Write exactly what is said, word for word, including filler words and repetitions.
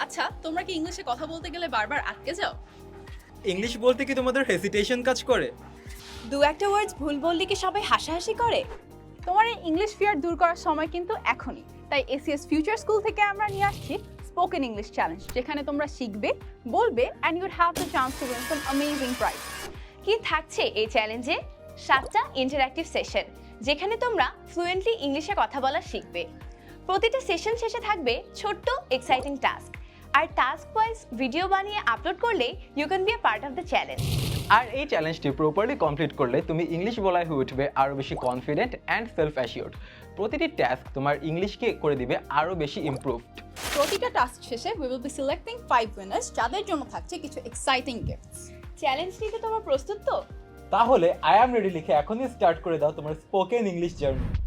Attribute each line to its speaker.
Speaker 1: আচ্ছা, তোমরা কি ইংলিশে কথা বলতে গেলে বারবার আটকে যাও?
Speaker 2: ইংলিশ বলতে কি তোমাদের হেসিটেশন কাজ করে?
Speaker 3: দু একটা ওয়ার্ডস ভুল বললে কি সবাই হাসাহাসি করে?
Speaker 1: তোমার এই ইংলিশ ফিয়ার দূর করার সময় কিন্তু এখনই। তাই এসিএস ফিউচার স্কুল থেকে আমরা নিয়ে আসছি স্পোকেন ইংলিশ চ্যালেঞ্জ, যেখানে তোমরা শিখবে, বলবে and you will have the chance to win some amazing prize.
Speaker 3: কি থাকছে এই চ্যালেঞ্জে? সাতটা ইন্টারঅ্যাক্টিভ সেশন, যেখানে তোমরা ফ্লুয়েন্টলি ইংলিশে কথা বলা শিখবে। প্রতিটা সেশন শেষে থাকবে ছোট্ট এক্সাইটিং টাস্ক, আর টাস্ক ওয়াইজ ভিডিও বানিয়ে আপলোড করলে you can be a part of the challenge.
Speaker 4: আর এই চ্যালেঞ্জটি প্রপারলি কমপ্লিট করলে তুমি ইংলিশ বলায় হয়ে উঠবে আরও বেশি কনফিডেন্ট অ্যান্ড সেলফ অ্যাসিওর্ড। প্রতিটি টাস্ক তোমার ইংলিশকে করে দিবে আরও বেশি ইমপ্রুভড।
Speaker 1: প্রতিটা টাস্ক শেষে we will be selecting five winners, যাদের জন্য থাকছে কিছু এক্সাইটিং গিফটস।
Speaker 3: চ্যালেঞ্জ নিতে তোমরা প্রস্তুত তো?
Speaker 4: তাহলে আই অ্যাম রেডি লিখে এখনই স্টার্ট করে দাও তোমার স্পোকেন ইংলিশ জার্নি।